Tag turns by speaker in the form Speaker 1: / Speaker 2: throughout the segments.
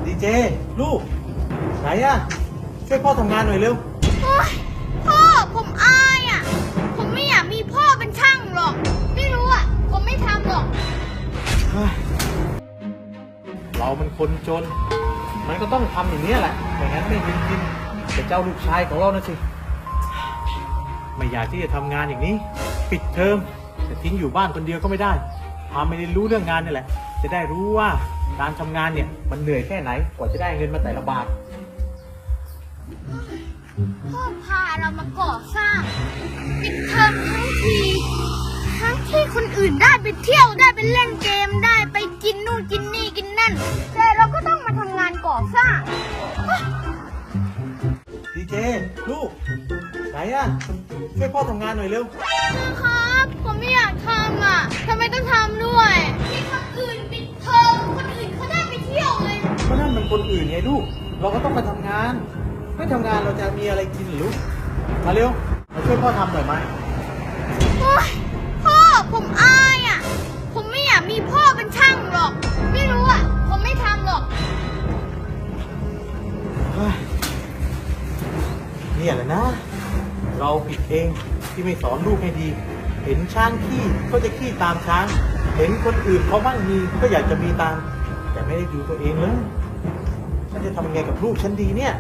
Speaker 1: ดีเจลูกไหนอะช่วยพ่อทำงานหน่อยเร็ว
Speaker 2: โอ๊ยพ่อผมอายอ่ะผมไม่อยากมีพ่อเป็นช่างหรอกไม่รู้อ่ะผมไม่ทำหรอก
Speaker 1: เรามันคนจนมันก็ต้องทำอย่างนี้แหละไม่งั้นไม่มีกินแต่เจ้าลูกชายของเรานะสิไม่อยากที่จะทำงานอย่างนี้ปิดเทอมแต่ทิ้งอยู่บ้านคนเดียวก็ไม่ได้พาไม่ได้รู้เรื่องงานนี่แหละจะได้รู้ว่าการทำงานเนี่ยมันเหนื่อยแค่ไหนกว่าจะได้เงินมาแต่ละบาท
Speaker 2: พ่อพาเรามาก่อสร้างปิดเทอมทั้งที่คนอื่นได้ไปเที่ยวได้ไปเล่นเกมได้ไปกินนู่นกินนี่กินนั่นแต่เราก็ต้องมาทำงานก่อสร้าง
Speaker 1: ดีเจลูกไหนอะช่วยพ่อทำงานหน่อยเร็ว
Speaker 2: ครับผมไม่อยากทำอ่ะทำไมต้องทำด้วยที่คนอื่นปิดเทอมคนอื่นเขาได้ไปเที่ยวเลย
Speaker 1: ก็นั่นมันคนอื่นไงลูกเราก็ต้องมาทำงานไม่ทำงานเราจะมีอะไรกินหรือลูกมาเร็วมาช่วยพ่อทำหน่อยไหม
Speaker 2: โอ๊ยพ่อผมอายอ่ะผมไม่อยากมีพ่อเป็นช่างหรอกไม่รู้อ่ะผมไม่ทำหรอก
Speaker 1: เนี่ยแหละนะเราผิดเองที่ไม่สอนลูกให้ดีเห็นช้างขี้ก็จะขี้ตามช้างเห็นคนอื่นเขาบ้างมีก็อยากจะมีตามแต่ไม่ได้ดูตัวเองเลยฉันจะทำยังไงกับลูกฉันดีเนี่ย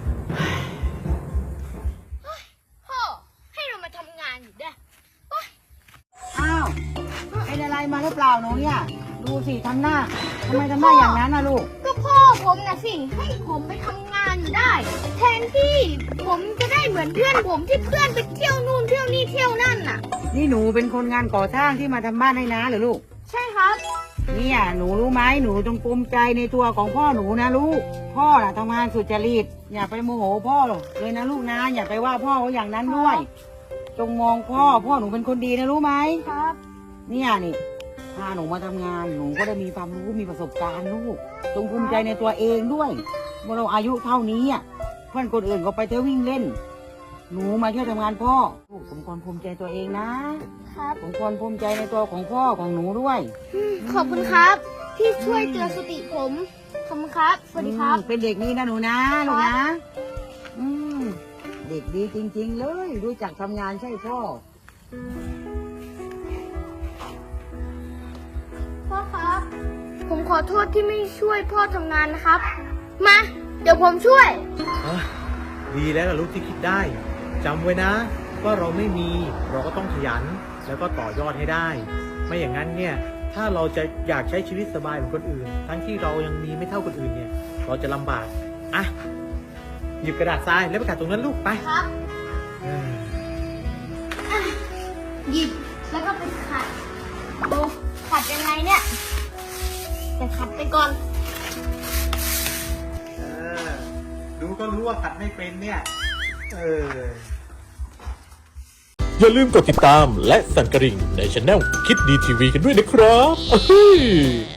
Speaker 2: พ่อให้เรามาทำงานอยู่ด้วย
Speaker 3: อ้าวเป็นอะไรมาหรือเปล่าหนูเนี่ยดูสิทำหน้าทำไมทำหน้าอย่างนั้นนะลูก
Speaker 2: ก็พ่อผมนะสิให้ผมไปทำงานอยู่ได้แทนที่ผมจะได้เหมือนเพื่อนผมที่เพื่อนไปเที่ยวนู่นเที่ยวนี่เที่ยวนั่นน่ะ
Speaker 3: นี่หนูเป็นคนงานก่อสร้างที่มาทำบ้านให้น้าเหรอลูก
Speaker 2: ใช่ครับ
Speaker 3: เนี่ยหนูรู้ไหมหนูจงภูมิใจในตัวของพ่อหนูนะลูกพ่อน่ะทำงานสุจริตอย่าไปโมโหพ่อเลยนะลูกนะอย่าไปว่าพ่อเขาอย่างนั้นด้วยจงมองพ่อหนูเป็นคนดีนะรู้ไหม
Speaker 2: ครับ
Speaker 3: เนี่ยนี่พาหนูมาทำงานหนูก็ได้มีความรู้มีประสบการณ์ลูกจงภูมิใจในตัวเองด้วยเมื่อเราอายุเท่านี้เพื่อนคนอื่นก็ไปเที่ยววิ่งเล่นหนูมาช่วยทำงานพ่อสมควรภูมิใจตัวเองนะครับสมควรภูมิใจในตัวของพ่อของหนูด้วย
Speaker 2: ขอบคุณครับที่ช่วยเตือนสติผมขอบคุณครับสวัสดีครับ
Speaker 3: เป็นเด็กดีนะหนูนะลูกนะเด็กดีจริงๆเลยรู้จักทำงานใช่พ่อ
Speaker 2: พ่อครับผมขอโทษที่ไม่ช่วยพ่อทำงานนะครับมาเดี๋ยวผมช่วย
Speaker 1: ดีแล้วล่ะลูกที่คิดได้จำไว้นะว่าเราไม่มีเราก็ต้องขยันแล้วก็ต่อยอดให้ได้ไม่อย่างนั้นเนี่ยถ้าเราจะอยากใช้ชีวิตสบายเหมือนคนอื่นทั้งที่เรายังมีไม่เท่าคนอื่นเนี่ยเราจะลำบากหยิบกระดาษทรายแล้วไปขัดตรงนั้นลูกไป
Speaker 2: ครับหยิบแล้วก็ไปขัดดูขัดยังไงเนี่ยแต่ขัดไปก่อน
Speaker 1: ดูก็รู้ว่าขัดไม่เป็นเนี่ย
Speaker 4: อย่าลืมกดติดตามและสั่นกระดิ่งในช่องคิดดีทีวีกันด้วยนะครับ